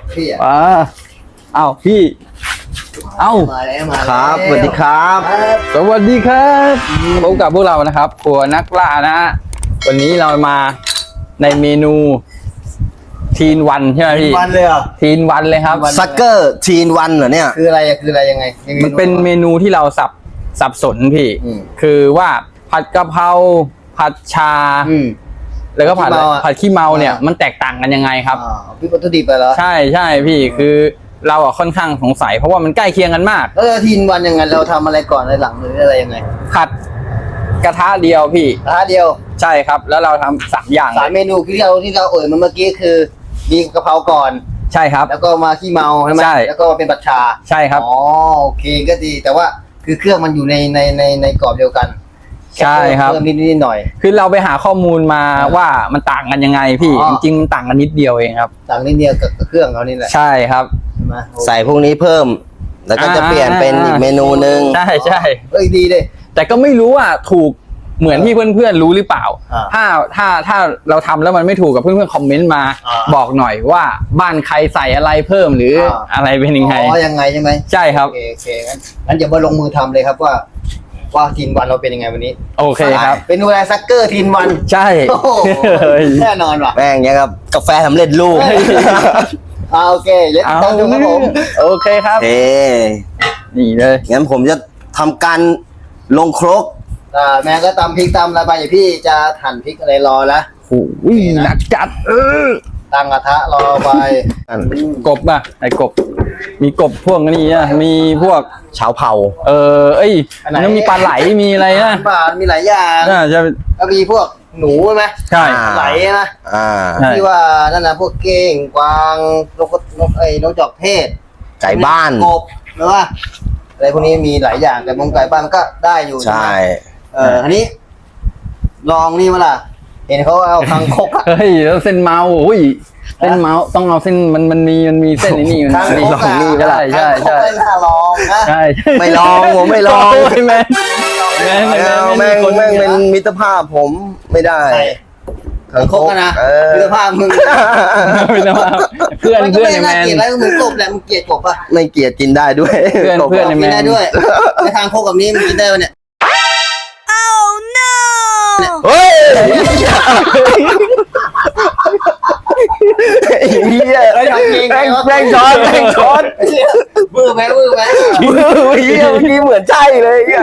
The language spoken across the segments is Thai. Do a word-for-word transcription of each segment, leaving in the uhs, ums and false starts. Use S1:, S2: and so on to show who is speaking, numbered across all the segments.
S1: พี่อ่ะ
S2: อ่าเอ้าพี่เอ้า
S1: มาแล้วมา
S3: ครับสวัสดีครับ
S2: สวัสดีครับพบกับพวกเรานะครับครัวนักล่านะฮะวันนี้เรามาในเมนูทีนวันใช่ไหมพี่
S1: วันเลยเหรอ
S2: ทีนวันเลยครับ
S3: ซักเกอร์ทีนวันเหรอเนี่ย
S1: คืออะไรอะคืออะไรยังไง
S2: มันเป็นเมนูที่เราสับสับสนพี่
S1: อืม
S2: คือว่าผัดกะเพราผัดชา
S1: อืม
S2: แล้วก็ผัด
S1: ขี้เมาอะ
S2: ผัดขี้เมาเนี่ย
S1: อ่ามั
S2: มันแตกต่างกันยังไงครับ
S1: อ่าพี่วัตถุดิบไปเหรอ
S2: ใช่ใช่พี่คือเราอะค่อนข้างสงสัยเพราะว่ามันใกล้เคียงกันมาก
S1: แล้วทีนวันยังไงเราทำอะไรก่อนอะไรหลังหรืออะไรยังไง
S2: ผัดกระทะเดียวพี่
S1: ร้านเดียว
S2: ใช่ครับ แล้วเราทำสามอย่าง
S1: สาม
S2: เลย
S1: เมนูที่เราที่เราเอ่ยมาเมื่อกี้คือมีกะเพราก่อน
S2: ใช่ครับ
S1: แล้วก็มาขี้เมาใช่ไหม
S2: ใช่
S1: แล้วก็มาเป็นผัดชา
S2: ใช่ครับ
S1: อ๋อโอเคก็ดีแต่ว่าคือเครื่องมันอยู่ในในในในกรอบเดียวกัน
S2: ใช่ครับ
S1: เพิ่มนิดนิดหน่อย
S2: คือเราไปหาข้อมูลมา
S1: อ่า
S2: ว่ามันต่างกันยังไงพี่
S1: อ๋อ
S2: จริงๆมันต่างกันนิดเดียวเองครับ
S1: ต่างนิดเดียวกับกับเครื่องเขานี่แหละ
S2: ใช่ครับ
S1: ใช่ไหม
S3: ใส่พวกนี้เพิ่ม แล้วก็จะเปลี่ยนเป็นอีกเมนูหนึ่ง
S2: ใช่ใช่
S1: เอ้ยดีเลย
S2: แต่ก็ไม่รู้ว่าถูกเหมือนที่เพื่อนๆรู้หรือเปล่า
S1: อ่า
S2: ถ้าถ้าถ้าเราทำแล้วมันไม่ถูกกับเพื่อนๆคอมเมนต์มา
S1: อ่า
S2: บอกหน่อยว่าบ้านใครใส่อะไรเพิ่มหรืออา อะไรเป็นยังไง
S1: อ๋อยังไงใช่ไหม
S2: ใช่ครับ
S1: โอเคโอเคงั้นงั้นเดี๋ยวมาลงมือทำเลยครับว่า ว่าทีนวันเราเป็นยังไงวันนี้
S2: โอเคครับ
S1: เป็นดูแลซักเกอร์ทีนวัน
S2: ใช่
S1: โอ้โห
S2: เฮ้ย
S1: แน่นอนว่ะ
S3: แม่งยังกับกาแฟสำเร็จรูป
S1: อ่าโอเคเดี๋ยว
S2: เอา
S1: ตามดูครับผม
S2: โอเคครับ
S3: เอ๊
S2: นี่เลย
S3: งั้นผมจะทำการลงครก
S1: อ่าแม่ก็ตำพริกตำอะไรไปอย่าพี่จะหั่นพริกอะไรรอละ
S2: โอ้ยหนักจัดเออ
S1: ตั้งกระทะรอไป
S2: กบอ่ะไอ้กบ มีกบพวกนี้อ่ะมีพวก
S3: ชาวเผ่า
S2: เออเอ้ยแล้วมีปลาไหลมีอะไรนะ
S1: บาทมีหลายอย่าง
S2: น่าจะ
S1: ก็มีพวกหนูใช่ไหม
S2: ใช่
S3: อ่า
S1: ไหลนะ
S3: อ่า
S2: ใช่
S1: ที่ว่านั่นนะพวกเก้งกวางนกนกไอ้นกจอกเทศ
S3: ไก่บ้าน
S1: กบหรือว่าอะไรพวกนี้มีหลายอย่างแต่มงไก่บ้านมันก็ได้อยู่
S3: ใช่
S1: ไหมเอออันนี้ ลองนี่มาล่ะ เห็นเขาเอาคังคกอะ
S2: เฮ้ยแล้วเส้นเมาอุ้ยเส้นเมาต้องเอาเส้นมันมันมีมันมีเส้นไอ้นี่มัน
S1: คัง
S2: มี
S1: คก
S2: ลองนี่ก็ได้ใช่
S1: คังคก
S2: ใช่
S1: ไม่น่าลองนะ
S2: ใช่
S3: ไม่ลองผมไม่ลอง
S2: โยแม่งแม่ง
S3: ไม่เอาแม่งแม่งเป็นมิตรภาพผมไม่ได้
S1: ใช่คังคกอะนะ
S3: เออ
S1: เสื้อผ้ามึง
S2: ไม่ต้องเอาเพื่อน
S1: มันก็
S2: เพื่อน
S1: ไม่
S2: ในแม
S1: น่าน เกลียดอะไรก็เหมือนกบแหละมึงเกลียดกบป่ะ
S3: ไม่เกลียดกินได้ด้วย
S2: เพื่อนเพื่อน
S1: กินได้ด้วยในทางคกกับนี้มันกินได้ปะเนี่ย
S3: เฮ้ยไอ้เหี้ย
S1: เฮ้ยทำจริง
S3: แม่งแม่งช้อนแม่งช้อน
S1: บื้อไหมบื้อไหม
S3: ไอ้เหี้ยเมื่อกี้เหมือนใช่เลยไอ้เหี้ย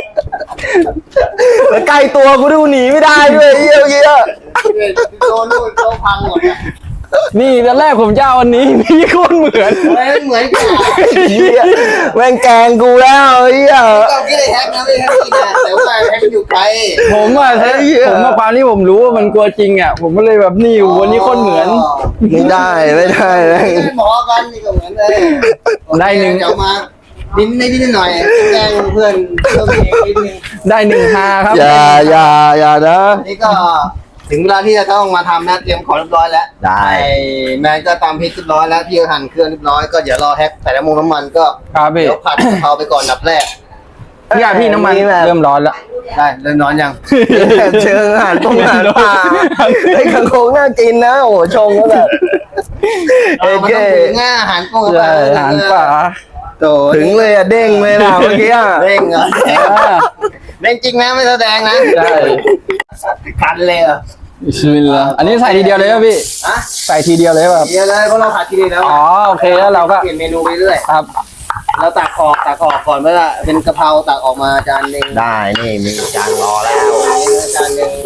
S3: แล้วใกล้ตัวกูดูหนีไม่ได้ด้วยไอ้เหี้ยเมื่อกี้อะ
S1: โดนนู่นโดนพังหมดเนี่ย
S2: นี่ตอนแรกผมจะเอาอันนี้พี่โคตรเหมือน
S1: เฮ้ยมันเหมือนกัน
S3: ไอ้เหี้ยแม่งแกล้งกูแล้วไอ้เหี้ย
S1: ก็คิดเลยแฮกนะไม่แฮกจริงนะแต่ว่าแฮกมันอยู่ไกล
S2: ผมอ่ะ
S3: เฮ้ย
S2: ผมมาความที่ผมรู้ว่ามันกลัวจริงอ่ะผมก็เลยแบบนี่วันนี้โคตรเหมือน
S3: ไม่ได้ไม่ได้แม่ง
S1: ไม่หมอกันนี่ก็เหมือนเลย
S2: ได้หนึ่ง
S1: เดี๋ยวมานิดนิดนิดหน่อยแกล้งเพื่อนเพิ่มเองนิดนึง
S2: ได้หนึ่งฮาครับ
S3: อย่าอย่าอย่านะ
S1: อันนี้ก็ถึงเวลาที่จะต้องมาทำนะเตรียมของเรียบร้อยแล้ว
S3: ได้
S1: ไอ้แมนก็ตำพริกเรียบร้อยแล้วพี่ก็หั่นเครื่องเรียบร้อยก็เดี๋ยวรอแฮกใส่น้ำมันน้ำมันก็
S2: ครับพี่
S1: เดี๋ยวผัดกะเพราไปก่อนดับแรก
S2: พี่อาพี่น้ำมันเริ่มร้อนแล้ว
S1: ได้เริ่มนอนยัง
S3: แบบเชิงอาหารตรงอาหารป่าไอ้ขังโคงน่ากินนะโอ้โหชงแล้วแบบ
S1: เออมันต้องถึงอ่ะอาหารกุ้ง
S2: ใช่อาหารป่า
S1: โต
S3: ถึงเลยอะเด้งเลยนะเมื่อกี้อะ
S1: เร่งเหรอ
S2: อ่า
S1: เร่งจริงนะไม่แสดงนะ
S2: ใช่
S1: คันเลยเหรอ
S2: บิสมิลลาห์อันนี้ใส่ทีเดียวเลยป่ะพี่
S1: ฮะ
S2: ใส่ทีเดียวเลยป่ะครับ
S1: เดี๋ยวเลยเพราะเราผัดทีเดียวแล้ว
S2: อ๋อโอเคแล้วเราก็
S1: เปลี่ยนเมนูไปเรื่อย
S2: ครับ
S1: เราตักออกตักออกก่อนเมื่อเป็นกะเพราตักออกมาจานหนึ่ง
S3: ได้นี่มีจานรอแล้ว
S1: จานหนึ่ง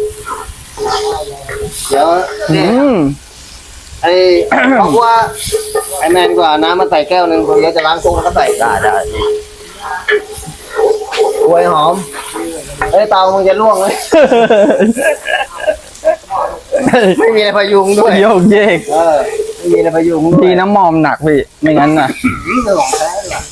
S1: เดี๋ยว
S2: อื
S1: เนี่ย
S2: ม
S1: ไอ้เพราะว่าไอ้แมนกว่าน้ำมาใส่แก้วหนึ่งคนเดียวจะล้างซุปแล้วก็ใส่
S3: ได้ได้นี่
S1: กล้วยหอมเฮ้ยเตามึงจะล่วงเลยไม่มีอะไรพยุงด้วย
S2: โยกเยก
S1: เออไม่มีอะไรพยุงด้วย
S2: ดีน้ำมอมหนักพี่ไม่งั้นน่ะ
S1: อืมเนื้อของแท้เลยว่ะ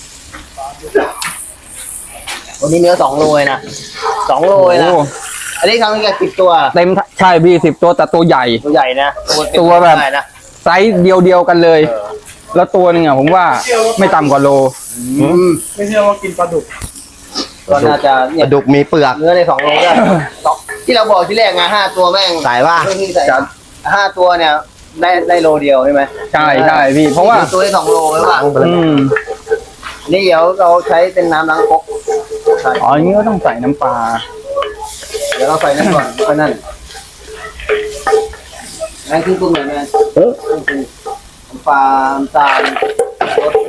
S1: วันนี้เนื้อสองโลเลยนะสองโลเลยนะ
S2: โอ้
S1: อันนี้ทำให้แกสิบตัว
S2: เต็มใช่พี่สิบตัวแต่ตัวใหญ่
S1: ตัวใหญ่นะ
S2: ตัวแบบ
S1: ใหญ่นะ
S2: ไซส์เดียวเดียวๆกันเลย แล้วตัวหนึงอ่ะผมว่าไม่ต่ำกว่าโล
S1: อืม
S4: ไม่เชื่อว่ากินปลาดุก
S1: ก็น่าจะ
S3: ป
S1: เนี่ย
S3: ลาดุกมีเปลือก
S1: เนื้อในสองโลได้สองที่เราบอกที่แรกไงห้าตัวแม่ง
S3: ใส่ป่ะ
S1: เรื่องที่ใส่ห้าตัวเนี่ยได้ได้โลเดียวใช่ไหม
S2: ใช่ใช่พี่เพราะว่า
S1: ตัวได้สองโลหรือเปล่า
S2: อืม
S1: นี่เดี๋ยวเราใช้เป็นน้ำล้างครกใช่
S2: อ๋ออย่างนี้ก็ต้องใส่น้ำปลา
S1: เดี๋ยวเราใส่นั่นก่อนค่อยนั่นนั่นคือปรุงหน่อยไหม
S2: เออ
S1: ปรุงปรุงน้ำปลาน้ำตาลรส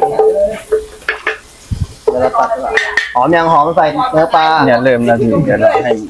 S1: เดี๋ยวเราตัดดีกว่าหอมยังหอมใส่เนื้อปลา
S2: เนี่ยเริ่มแล้วพี่เดี๋ยวเราให้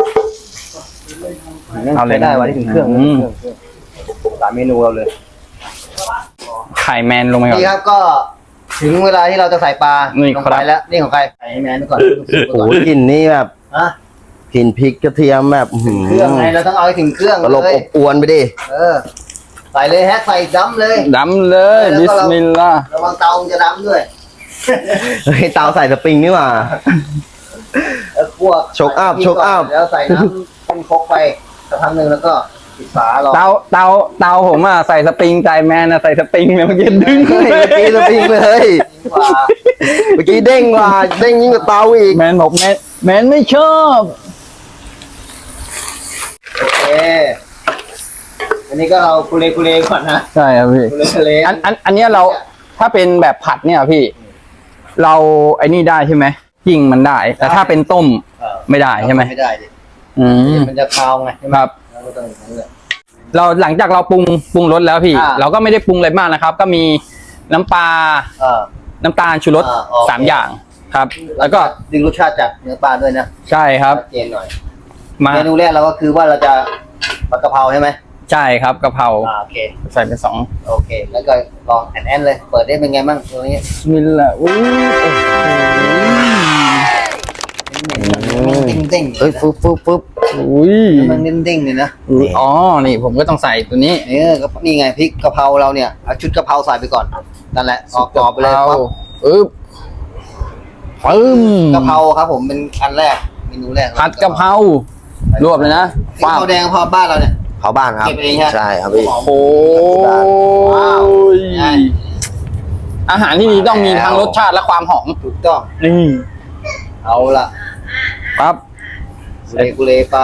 S2: เอาเลย
S1: ได้วันนี้ถึงเครื่อง
S2: อืม
S1: เครื่องเครื่องสามเมนูเราเลย
S2: ไข่แมนลงไปก่อน
S1: นี่ครับก็ถึงเวลาที่เราจะใส่ปลา
S2: นี่
S1: ลง
S2: ครั
S1: ไป
S2: บ
S1: แล้วนี่ของใครใส่ให้แมนไปก่อน
S3: โอ้โหกลิ่นนี่แบบ
S1: ฮะ
S3: กลิ่นพริกกระเทียมแบบอื้อหือ
S1: เครื่องไงเราต้องเอาให้ถึงเครื่อง
S3: ตลบ
S1: เล
S3: อย บอวนไปดิ
S1: เออใส่เลยแฮะใส่ดำเลย
S2: ดำเลย
S1: แล้ว
S2: บิ
S1: ก็
S2: ส
S1: เรา
S2: มิลลาห์
S1: ระวังเตามันจะดำด้วย
S3: เฮ้ยเตาใส่สปริงนี่หว่า
S1: แล้วพวก
S3: โชกอัพโชกอัพ
S1: แล้วใส่น้ำเป็นครกไปสักพักหนึ่งแล้วก็ปิดฝารอ
S2: เตาเตาเตาผมอ่ะใส่สปริงใจแมนอ่ะใส่สปริงเนี่ยเมื่อกี้ดึง
S3: เฮ้ยเมื่อกี้สปริงเลย
S1: ดีกว่า
S3: เมื่อกี้เด้งกว่าเด้งยิ่งกว่าเตาอีก
S2: แมนบอกแมนแมนไม่ชอบ
S1: โอเคอันนี้ก็เราคุเลคุเลก่อนนะ
S2: ใช่ครับพี่
S1: คุเลคุเล
S2: อันอันอันเนี้ยเราถ้าเป็นแบบผัดเนี่ยพี่ เราไอ้นี่ได้ใช่ไหมยิงมันได้ แต่ถ้าเป็นต้ม
S1: เออ
S2: ไม่ได้ใช่ไหม
S1: ไม่ได้ดิ
S2: อืม
S1: มันจะคาวไงใช่ไหม
S2: ครับ
S1: เราก็ต้องอย่างนั้นเลย
S2: เราหลังจากเราปรุงปรุงรสแล้วพี่
S1: อ่า
S2: เราก็ไม่ได้ปรุงอะไรมากนะครับ ก็มีน้ำปลา
S1: เออ
S2: น้ำตาลชูรส
S1: อ่าโอเค
S2: สามอย่างครับ แล้วก็
S1: ดึงรสชาติจากเนื้อปลาด้วยนะ
S2: ใช่ครับ
S1: ชัดเจนหน่อย
S2: มา
S1: เมนูแรกเราก็คือว่าเราจะผัดกะเพราใช่ไหม
S2: ใช่ครับกะเพรา
S1: อ่าโอเค ใส่
S2: ใส่ไปสอง
S1: โอเค แล้วก็ลองแอนแอนเลย เปิดได้เป็นไงบ้างตัวนี้
S2: บิสมิลลาห์อุ้ย
S1: เด้งๆ
S3: เฮ้ยฟึ๊บฟึ๊บฟึ๊บ
S2: อุ้ย
S1: มันเด้งๆเลยนะ
S2: อุ้ยอ๋อนี่ผมก็ต้องใส่ตัวนี้
S1: เออก็นี่ไงพริกกะเพราเราเนี่ยเอาชุดกะเพราใส่ไปก่อนนั่นแหละออกกรอบไปเลยปั๊บ
S2: อึ๊บปึ้ม
S1: กะเพราครับผมเป็นอันแรกเมนูแรก
S2: ผัดกะเพรารวบเลยนะ
S1: กะเพราแดงกะเพราบ้านเราเนี่ย
S3: เผาบ้านครับ
S1: เก็บเองฮะ
S3: ใช่ครับพี่
S2: โอ้
S1: ว้าว
S2: ยอาหารที่ดีต้องมีทั้งรสชาติและความหอม
S1: ถูกต้อง
S2: นี่
S1: เอาละ
S2: ปั๊บ
S1: เลกุเลไป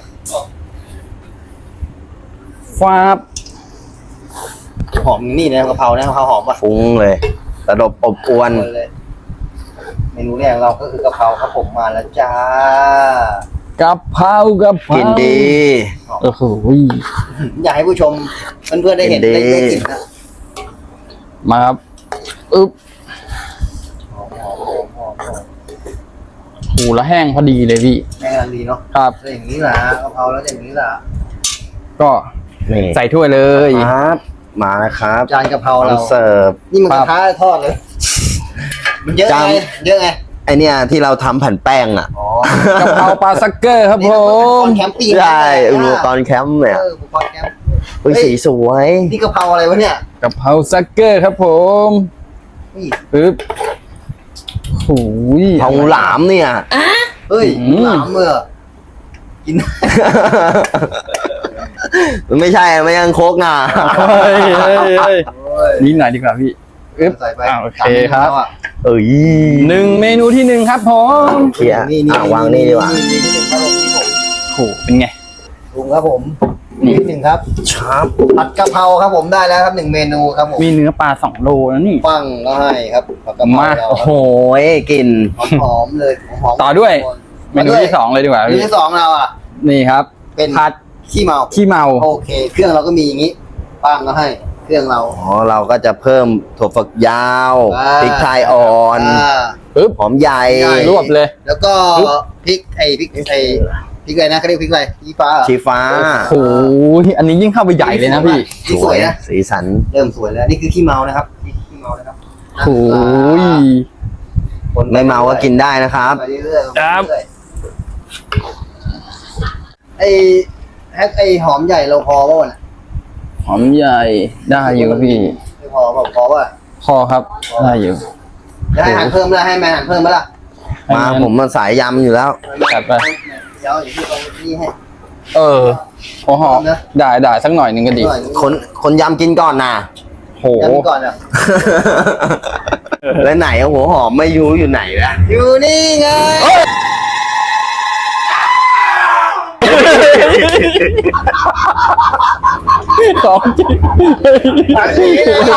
S2: ฟาบ
S1: หอมนี่นะกะเพรานะกะเพราหอมป่ะ
S3: ฟุ้งเลยตลบอบอวน
S1: เลยเมนูแรกเราก็คือกะเพราครับผมมาแล้วจ้าก
S2: ะเพรากะเพรา
S3: กินดี
S2: โอ้โห
S1: อยากให้ผู้ชมเพื่อนๆได้เห็น
S3: เห็นดี
S1: ได้ได้กลิ่นนะ
S2: มาครับอึ๊บ
S1: หอมหอมหอมหอมหอม
S2: หูละแห้งพอดีเลยพี่
S1: แม่กำลังดีเนาะ
S2: ครับ
S1: แล้วอย่างนี้แหละกะเพราแล้วอย่างนี้แหละ
S2: ก็
S3: นี่
S2: ใส่ถ้วยเลย
S3: ครับมาแล้วครับ
S1: จานกะเพรา
S3: พร้อ
S1: เรา
S3: มเสิร์ฟ
S1: นี่มันก
S2: ครั
S1: ระ
S2: บ
S1: ทะทอดเลย มันเยอะ
S3: จาน
S1: ไงเยอะไง
S3: ไอเนี่ยที่เราทำแผ่นแป้งอ่ะ
S1: อ๋อก
S2: ะเพราปลาซักเกอร์ครับผ
S1: นี่
S2: ม
S1: แคมปิ้ง
S3: ใช่อุปกรณ์แคมป์เนี่ย
S1: เอออุปกรณ์แคมป์
S3: อุ้ยสีสวย
S1: นี่กะเพราอะไรวะเนี่ย
S2: กะเพราซักเกอร์ครับผม
S1: นี่
S2: ปึ๊บโอ้ย
S3: ทองหลามเนี่ย
S1: เฮ้ย
S2: อืม
S1: หลามเมื่อกิน
S3: มันไม่ใช่ไม่ยังโคกนะ
S2: เฮ้ยเฮ้ยเฮ้ย
S1: โอ้ย
S2: นิดหน่อยดีกว่าพี่อึ๊บ
S1: ใส่ไป
S2: อ่าโอเคครับ
S3: เอ้ย
S2: หนึ่งเมนูที่หนึ่งครับผม
S3: เคลียร์อ่ะวางนี่ดีกว่า
S1: นี่นี่นี่ครับผมนี่ผม
S2: โอ้โหเป็นไง
S1: ปรุงครับผมนิดหนึ่งครับ
S3: ชับ
S1: ผัดกะเพราครับผมได้แล้วครับหนึ่งเมนูครับผม
S2: มีเนื้อปลาสองโลแล้วนี่
S1: ปั้งก็ให้ครับผัดกะเพรา
S2: มา
S1: เรา
S3: โอ้โหกลิ่น
S1: หอมๆเลยหอมๆ
S2: ต่อด้วย เมนูที่สองเลยดีกว่า
S1: เมนู
S2: พี่
S1: ที่สองเราอ่ะ
S2: นี่ครับ
S1: เป็น
S2: ผัด
S1: ขี้เมา
S2: ขี้เมา
S1: โอเค เครื่องเราก็มีอย่างนี้ปั้งก็ให้เครื่องเรา
S3: อ๋อเราก็จะเพิ่มถั่วฝักยาว
S1: อ่า
S3: พริกไทยอ่อน
S1: อ่า
S2: ปึ๊บ
S3: หอมใหญ่
S1: ใหญ่
S2: รวบเลย
S1: แล้วก็พริกไอ้พริกไอ้พริกอะไรนะเขาเรียกพริกอะไรพริกฟ้าเหรอ
S3: ชีฟ้า
S2: โอ้โหอันนี้ยิ่งเข้าไปใหญ่เลยนะพี่
S1: นี่สวยนะ
S3: สีสัน
S1: เริ่มสวยแล้วนี่คือขี้เมานะครับนี่คือขี้เมานะครับ
S2: โอ้ย
S1: คนป
S3: ไม่เมาก็กินได้นะครับ
S1: ไปเรื่อยๆ
S2: ครับ
S1: ไปเรื่อยๆไอ้แฮกไอ้หอมใหญ่เราพอป่ะวะน่ะ
S2: หอมใหญ่ได้อยู่พี่
S1: ไม่พอเปล่าพอป่ะ
S2: พอครับได้อยู่
S1: จะให้หั่นเพิ่มแล้วให้แมนหั่นเพิ่มไหมล่ะ
S3: มาผมมันสายยำอยู่แล้ว
S2: จัดไป
S1: เดี๋ยวอย่างที่ตรงนี้ให้
S2: เออโอ้โห
S1: นะ
S2: ได้ได้สักหน่อยหนึ่งก็ดี
S1: หน่อย
S3: คนคนยำกินก่อนนะ
S2: โห
S1: ย้ำก่อนอ่ะ
S3: แล้วไหนอะหัวหอมไม่รู้อยู่ไหนละ
S1: อยู่นี่ไง
S2: ของจริง
S1: อันนี้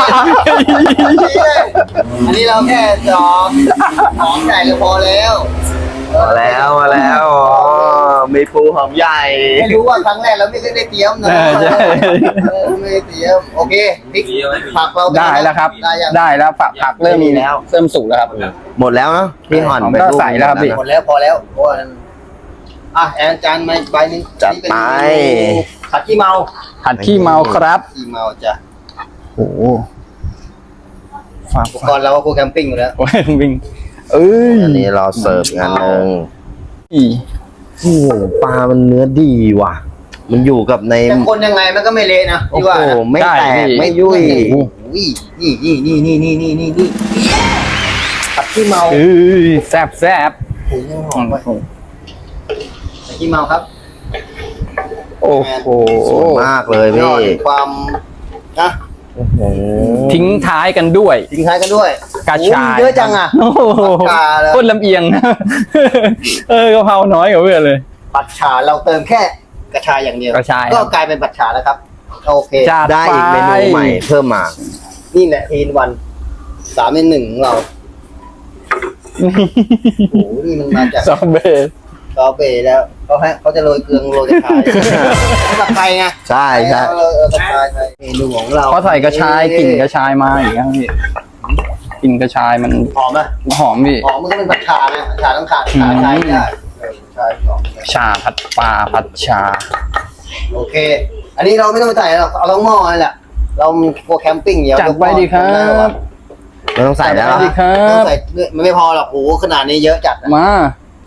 S1: อันนี้เราแค่จองหอมใหญ่ก็พอแล้ว
S3: มาแล้วมาแล้วอ๋อมีปูหอมใหญ่
S1: ไม่รู้ว่าครั้งแรกเราไม่ได้เตรียมนะ
S2: เออใช่
S1: เออไม่ได้เตรียมโอเคพริกผักเรา
S2: ได้แล้วครับ
S1: ได้ยัง
S2: ได้แล้วผักผักเริ่ม
S3: มีแล้ว
S2: เริ่มสุกแล้วครับ
S3: หมดแล้วเนาะพี่ห่อน
S2: ผม
S3: ไป
S2: ก็
S3: ลูก
S2: ใส่แล้วครับพี่
S1: หมดแล้วพอแล้วเพราะว่านั้นอ่ะแอนจานมาอีกใบหนึง
S3: จัด
S1: นี่เป็น
S3: ไป
S1: เมนูผัดขี้เมา
S2: ผัดขี้เมาครับ
S1: ขี้เมาจ้ะ
S2: โอ้โหฝาก
S1: ก่อนเราก็ครูแคมปิ้งอยู่แล้ว
S2: โอ้ยวิ่งเอ้ย
S3: อันนี้เราเสิร์ฟงานหนึ่ง
S2: อี
S3: โอ้โหปลามันเนื้อดีว่ะ มันอยู่กับใน
S1: แต่คนยังไงมันก็ไม่เละนะ
S3: โอ้
S1: พี่
S3: โห
S1: ว่านะ
S3: ไม่แตกไม่ยุ่ย
S1: โอ้โหนี่นี่นี่นี่นี่นี่นี่นี่ผัดขี้เมา
S2: เอ้ยแซ่บแซ่บ
S1: โอ้โหหอมไปผัดขี้เมาครับ
S2: โอ้โห
S3: สวยมากเลย
S1: ย
S3: พี่
S1: อดความนะ
S3: โอ้โห
S2: ทิ้งท้ายกันด้วย
S1: ทิ้งท้ายกันด้วย
S2: กระชาย
S1: โอ้โหเยอะจังอ่ะ
S2: โอ้โห
S1: กาเลย
S2: โคตรลำเอียง เออกะเพราน้อยกว่าเพื่อนเลย
S1: ผัดฉาเราเติมแค่กระชายอย่างเดียว
S2: กระชาย
S1: ก็กลายเป็นผัดฉาแล้วครับ โอเค
S2: จัด
S3: ได้อีกเมนูใหม่เพิ่มมา
S1: นี่แหละทีนวันสามในหนึ่งของเราโอ้โหนี่มันมาจาก
S2: ซอมเบส
S1: ซอเบต์แล้วเขาให้เขาจะโรยเกลือโรยกระชายสำหรับใครไง
S3: ใช่ใช่
S1: เออเออกระชายไปเมนูของเรา
S2: เขาใส่กระชายกลิ่นกระชายมาอีกครับพี่กลิ่นกระชายมัน
S1: หอมไหม
S2: หอมพี่
S1: หอมมันก็เป็นผัดฉาไงผัดฉาต้องขาดขาใช้ไม่ได้เออใช่หอม
S2: ชาผัดปลาผัดชา
S1: โอเค อันนี้เราไม่ต้องไปใส่หรอกเอาทั้งหม้อนี่แหละเราโปรแคมปิ้งเดี๋ยว
S2: จัดไปดีครับ
S3: ไม่ต้องใส่แล้ว
S2: สวัสดีครับ
S1: ไม่ต้องใส่มันไม่พอหรอกโอ้โหขนาดนี้เยอะจัดนะ
S2: มาย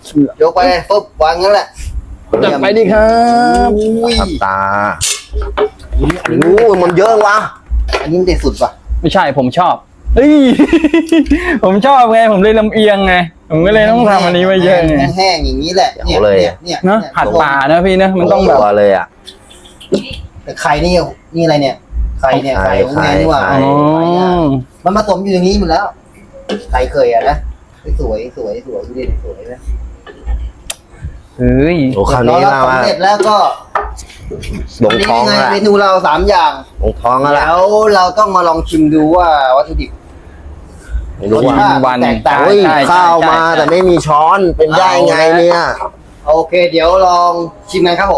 S1: กไปปุ๊บวางงั้นแหละ
S2: จัดไปดีครับ
S1: อุ้ย
S3: ทับตาโอ้ยมันเยอะวะ
S1: อันนี้มันเด็ดสุดป่ะ
S2: ไม่ใช่ผมชอบเฮ้ย ผมชอบไงผมเลยลำเอียงไงผมก็เลยต้องทำอันนี้ไว้เยอะไง
S1: แห้งๆอย่างนี้แหละเนี่ยเนี่ยเนี่ย
S2: เนอะผัดปลานะพี่นะมันต้องแบบ
S3: ตัวเลยอ่ะ
S1: แต่ไข่นี่นี่อะไรเนี่ยไข่เนี่ยไข่ของแม่นี่หว่า
S3: ไข่
S2: อ๋อ
S1: มันผสมอยู่อย่างนี้หมดแล้วไข่เคยอะนะสวยสวยสวยดูดิสวยนะ
S2: เฮ้ย
S3: โอ้คราวนี้
S1: เรา
S3: เรา
S1: สำเร็จแล้วก็
S3: ลงท้อง
S1: นี่
S3: แล้ว
S1: ไงเมนูเราสามอย่าง
S3: ลงท้องแล้ว
S1: แล้วเราต้องมาลองชิมดูว่าวัตถุดิบ
S3: ไม่รู้
S1: รส
S3: ว่า
S1: ชาติ
S2: วัน
S1: แตกต่าง
S3: เฮ้ย
S2: ใช่ใช่
S3: ข้าวมา
S2: ใช่
S3: แต่ไม่มีช้อนเป็นได้ไงเนี่ย
S1: โอเค เดี๋ยวลองชิมกันครับผม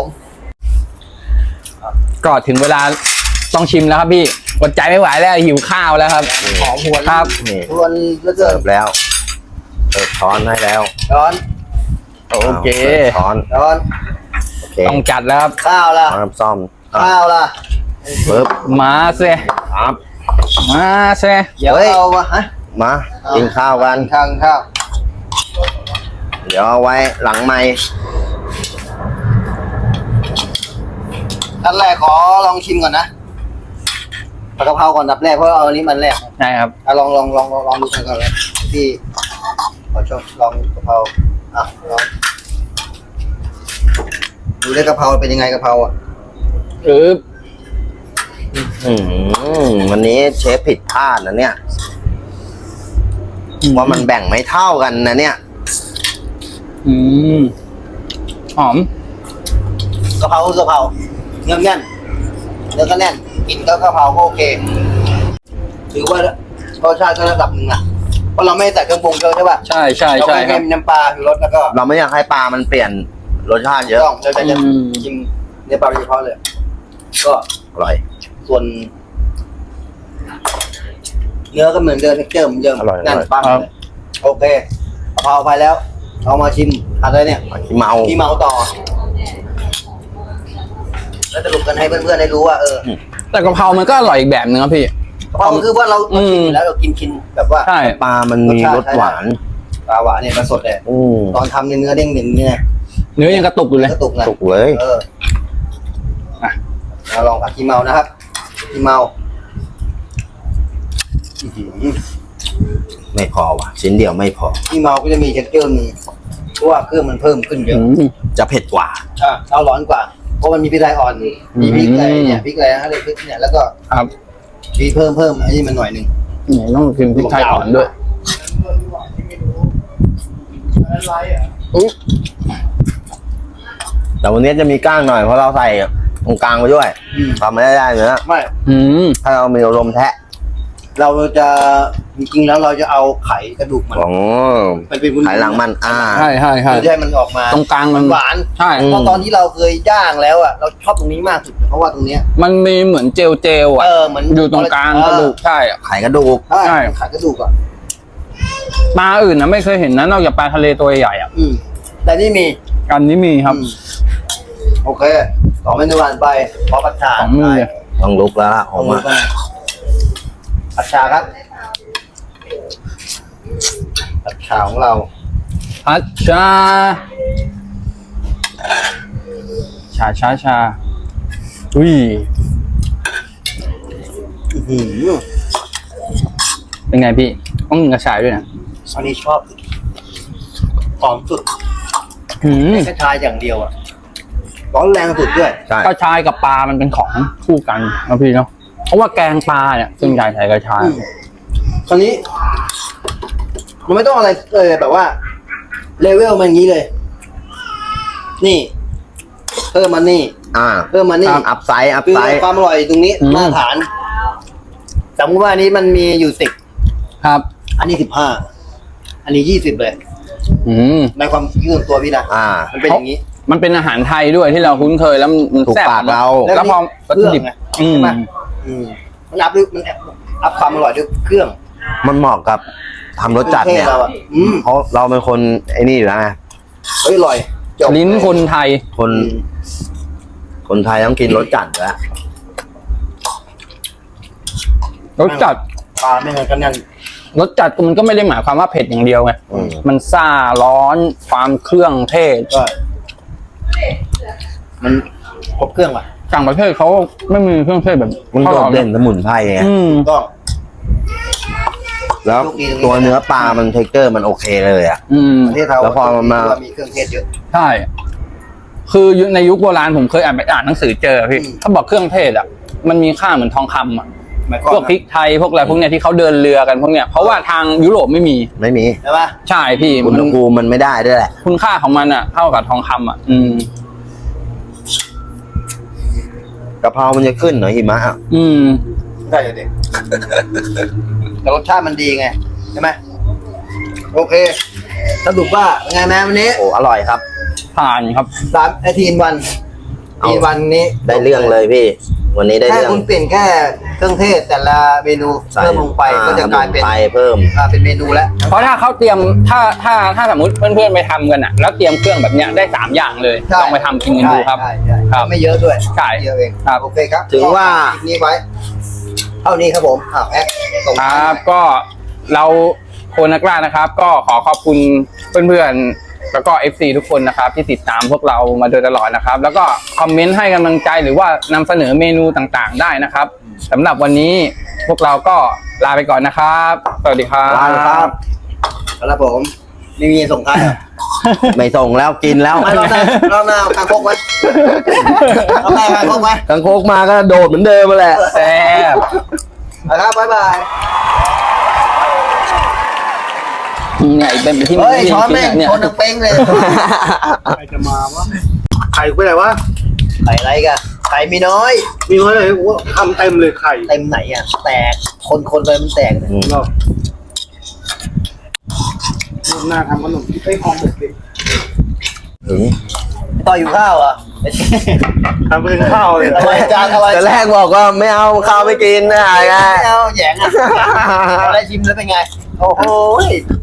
S2: ก็ถึงเวลาต้องชิมแล้วครับพี่อดใจไม่ไหวแล้วหิวข้าวแล้วครับ
S1: หอมหวน
S2: ครับ
S3: นี่
S1: หวนเหลือเกิ
S3: เสิ
S1: น
S3: ร์ฟแล้วเสิร์ฟช้อนให้แล้ว
S1: ร้อน
S2: โอเค
S3: าสิร์ฟช้อน
S1: ร้อน
S3: โอเค
S2: ต้องจัดแล้วครับ
S1: ข้าวล่ะ
S3: ช้อนซ่อมอ่ะ
S1: ข้าวล่ะ
S3: ปึ๊บ
S2: มาเซ
S3: ครับ
S2: มาเซ
S1: เดี๋ยว
S3: เฮ้ย
S1: เอามาฮะ
S3: มากินข้าวกัน
S1: ข้าวข้าว
S3: เดี๋ยวเอาไว้หลังไม้
S1: อันแรกขอลองชิมก่อนนะผัดกะเพราก่อนดับแรกเพราะเอาอันนี้มันแรก
S2: ใช่ครับ
S1: อ่ะลองลองลองลองลองดูกันก่อนเลยพี่ขอชมลองกะเพราอ่ะลองดูได้กะเพราเป็นยังไงกะเพราอ่ะ
S2: เออ
S3: อืมวันนี้เชฟผิดพลาดนะเนี่ยว่ามันแบ่งไม่เท่ากันนะเนี่ย
S2: อืมหอม
S1: กะเพรากะเพราเนื้อแน่นเนื้อก็แน่นกินก็กะเพราก็โอเคถือว่ารสชาติก็ระดับหนึ่งอ่ะเพราะเราไม่ใส่เครื่องปรุงเยอะใช่ป่ะ
S2: ใช่ใช่
S1: เรา
S2: ใช่
S1: แค่
S2: ครับ
S1: น้ำปลาคือรสแล้วก็
S3: เราไม่อยากให้ปลามันเปลี่ยนรสชาติเยอะ
S1: ต้องเราจะจะ
S2: อืม
S1: ชิมเนื้อปลาโดยเฉพาะเลย ก็
S3: อร่อย
S1: ส่วน เนื้อก็เหมือนเดิมเท็กเจอร์เหมือนเดิม
S3: อร่อย
S1: แน่น
S3: อร่อย
S1: ปัง
S2: ครับ
S1: เลยโอเคกะเพราไปแล้ว เอามาชิมอะไรเนี่ย
S3: ขี้เมา
S1: พี่เมาต่อ แล้วสรุปกันให้เพื่อนๆได้รู้ว่าเออ
S2: แต่กะเพรามันก็อร่อยอีกแบบนึงครับพี่
S1: กะเพรามันคือว่าเรา
S2: อืม
S1: กินแล้วเรากินกินแบบว่า
S2: ใช่
S3: ปลามันมีรสหวาน
S1: ปลาหวานเนี่ยมันสดเลย
S3: อืม
S1: ตอนทำเนี่ยเนื้อเด้งหนึ่งเนี่ย
S2: เนื้อยังกระตุกอยู่เลย
S1: กระตุกนะ
S3: สุกเลย
S1: เออ
S2: อ่ะ
S1: เราลองผัดขี้เมานะครับขี้เมาอื้อหือ
S3: ไม่พอว่ะ ชิ้นเดียวไม่พอ
S1: ขี้เมาก็จะมีเท็กเจอร์หนึ่งเพราะว่าเครื่องมันเพิ่มขึ้นเย
S2: อื
S1: อะ
S2: ม
S3: จะเผ็ดกว่า
S1: อ่ะเอาร้อนกว่า เพราะมันมีพริกไทยอ่อน มีพริกอะไร
S2: อืม
S1: เนี่ยพริกอะไรนะอะไรพริกเนี่ยแล้วก็
S2: ครับ
S1: มีเพิ่มเพิ่มอันนี้มันหน่อยหนึ่ง
S2: นี่ต้องกินพริกไทยอ่อนด้วยอุ๊ย
S3: แต่วันนี้จะมีก้างหน่อยเพราะเราใส่ตรงกลางไปด้วย
S1: อืม
S3: ทำไม่ได้เนื้อ
S1: ไม่
S2: อืม
S3: ถ้าเรามีลมแทะ
S1: เราจะจริงๆแล้วเราจะเอาไขกระดูกมัน
S3: ของ
S1: มันเป็นวุ้นๆ
S3: ไขหลังมันอ่า
S2: ใช่ใช่ใช่
S1: เราจะให้มันออกมา
S2: ตรงกลางมัน
S1: หวาน
S2: ใช่
S3: อืม
S1: เพราะตอนที่เราเคยย่างแล้วอ่ะเราชอบตรงนี้มากสุดเพราะว่าตรงเนี้ย
S2: มันมีเหมือนเจลเจลอ่ะ
S1: เออเหมือน
S2: อยู่ตรงกลางกระดูกใช่อะ
S3: ไขกระดูก
S1: ใช่
S2: ใช่
S1: ไขกระดูกอ่ะ
S2: ปลาอื่นนะไม่เคยเห็นนะนอกจากปลาทะเลตัวใหญ่ๆอ่ะ
S1: อืมแต่นี่มี
S2: อันนี้มีครับ
S1: อืมโอเคสองเมนูผ่านไปพอผัดชา
S2: สองมือเลย
S3: ต้องลุกแล้วล่ะ
S1: ข
S3: อ
S1: อ
S3: อง ก
S1: มื
S3: มา
S1: อกันผัดชาครับผัดชาของเรา
S2: พัชชา ชาชาชาอุ้ย
S1: อื้อหือ
S2: เป็นไงพี่ ต้องกินกระชายด้วยนะ
S1: อันนี้ชอบสุดหอมสุด
S2: หืม
S1: แค่ชาอย่างเดียวอ่ะร้อนแรงสุดด้วย
S3: ใช่
S2: กระชายกับปลามันเป็นของคู่กันนะพี่เนาะเพราะว่าแกงปลาเนี่ยส่วนใหญ่ใส่กระชาย
S1: อืมคราวนี้ มันไม่ต้องอะไรเลยแบบว่าเลเวลมันอย่างนี้เลย นี่ เพิ่มมันนี่
S3: อ่า
S1: เพิ่มมันนี่
S3: อัพไซด์อัพ
S1: คือ
S3: ไซด์
S1: ความอร่อยตรงนี้
S2: อืม
S1: มาตรฐานสมมติว่าอันนี้มันมีอยู่สิบ
S2: ครับ
S1: อันนี้สิบห้าอันนี้ยี่สิบเลย
S2: อืม
S1: ในความคิดส่วนตัวพี่นะ
S3: อ่า
S1: มันเป็นอย่างนี้
S2: มันเป็นอาหารไทยด้วยที่เราคุ้นเคยแล้วมัน
S3: ถูก
S2: แซ่บ
S3: ปากเรา
S2: แล้วพอวัตถุดิบ
S1: เครื่องไง
S2: อืม
S1: ใช่ปะ อืมมันอัพด้วยมันอัพความอร่อยด้วยเครื่อง
S3: มันเหมาะกับทำรสจัดเนี่ย
S1: เครื่องเทศเราอ่ะอืม
S3: เพราะเราเป็นคนไอ้นี่อยู่แล้วไง
S1: เฮ้ยอร่อยจบ
S2: ลิ้นคนไทย
S3: คน
S1: อืม
S3: คนไทยต้องกินรสจัดอยู่แล้ว
S2: รสจัด
S1: ปลาไม่งั้นก็นั่น
S2: รสจัดมันก็ไม่ได้หมายความว่าเผ็ดอย่างเดียวไง
S3: อืม
S2: มันซ่าร้อนความเครื่องเทศ
S1: ก็มันครบเครื่องว่ะ
S2: ต่างประเทศเขาไม่มีเครื่องเทศแบบ
S3: มันโดดเด่น
S2: น
S3: สมุนไพรไง
S2: อืม
S1: ต้อง
S3: แล้ว
S1: ลูกดีตรงนี้
S3: ตัวเนื้อปลามันเทคเจอร์มันโอเคเลยอ่ะ
S2: อืม
S1: ประเทศเรา
S3: แล้วพอมันมา
S1: มีเครื่องเทศเยอะ
S2: ใช่ คือในยุคโบราณผมเคยอ่านไปอ่านหนังสือเจอพี่
S1: อืม
S2: เขาบอกเครื่องเทศอ่ะ มันมีค่าเหมือนทองคำอ่ะ
S1: หมายความ
S2: พวกพริกไทยพวกอะไรพวกเนี้ยที่เขาเดินเรือกันพวกเนี้ยเพราะว่าทางยุโรปไม่มี
S3: ไม่มี
S1: ใช่ปะ
S2: ใช่พี่
S3: อุณ
S2: มั
S3: ห
S2: น
S3: ภูมิมันไม่ได้ด้วยแหละ
S2: คุณค่าของมันอ่ะ เท่ากับทองคำอ่ะ อืม
S3: กะเพรามันจะขึ้นเหรอหิมะอ่ะ
S2: อืม
S1: ได้เลยเด็ก แต่รสชาติมันดีไงใช่ไหมโอเคสรุปว่าเป็นไงแม่วันนี้
S3: โอ้อร่อยครับ
S2: ผ่านครับ
S1: สามไอทีนวัน
S3: เอา
S1: ทีนวันนี้
S3: ได้เรื่องเลยพี่ วันนี้ได้
S1: แค่
S3: เรื่อง
S1: คุณเปลี่ยนแค่เครื่องเทศแต่ละเมนู
S3: ใส่
S1: เพิ่มลงไปก็จะกลายเป็น
S3: สมุนไพรเพิ่ม
S1: อ่าเป็นเมนูแล้ว
S2: เพราะถ้าเขาเตรียมถ้าถ้าถ้าสมมติเพื่อนๆไปทำกันอ่ะ แล้วเตรียมเครื่องแบบเนี้ยได้สามอย่างเลย
S1: ใช่
S2: ลองไปทำกินกันดูครับ
S1: ใช่ใช่
S2: ครับ
S1: ไม่เยอะด้วย
S2: ใช่
S1: เยอะเอง
S2: ครับ
S1: โอเคครับ
S3: ถือว่า
S1: คลิปนี้ไว้เท่านี้ครับผมอ้าวแอ๊กส่ง
S2: ค
S1: ท้าย
S2: รับ
S1: หน่อย
S2: ก็เราโคนักล่านะครับ ก็ขอขอบคุณเพื่อนๆแล้วก็ เอฟ ซี ทุกคนนะครับ ที่ติดตามพวกเรามาโดยตลอดนะครับ แล้วก็คอมเมนต์ให้กำลังใจหรือว่านำเสนอเมนูต่างๆ ได้นะครับสำหรับวันนี้พวกเราก็ลาไปก่อนนะครับ สวัสดีครับ
S3: ลาครับ
S1: ครับผมไม่มีส่งท้ายเหรอ
S3: ไม่ส่งแล้วกินแล้ว
S1: ไม่รอบหน้ารอบหน้าเอาคางคกไว้รอบหน้าเอาคางคกไว้
S3: กังโคกมาก็โดดเหมือนเดิมมาแหละ
S2: แซ่บ
S1: นะครับบ๊ายบาย
S2: เนี่ยอีกเป็นที่
S1: เฮ้ย
S2: ที่
S1: ช้อนแม่ง
S2: เนี่ย
S1: ชนทั้งเป้งเลย
S4: ใครจะมาวะไข่ไปไหนวะ
S1: ไข่อะไรกันไข่มีน้อย
S4: มีน้อยเลยว่าทำเต็มเลยไข่
S1: เต็มไหนอ่ะ แตก คนคนๆไปมันแตกเลย
S3: อืม
S4: รอบรูปหน้าทำขนมที่ไส้หอมหมกดิ
S3: ถึง
S1: ต่ออยู่ข้าวอ่ะ
S4: ทำเป็นข้าวเลย
S1: อะไรจานอะไร
S3: แต่แรกบอกว่าไม่เอาข้าวไม่กินนะไง
S1: ไม่เอาแหยงอ่ะอะไรชิมแล้วเป็นไง โอ้โห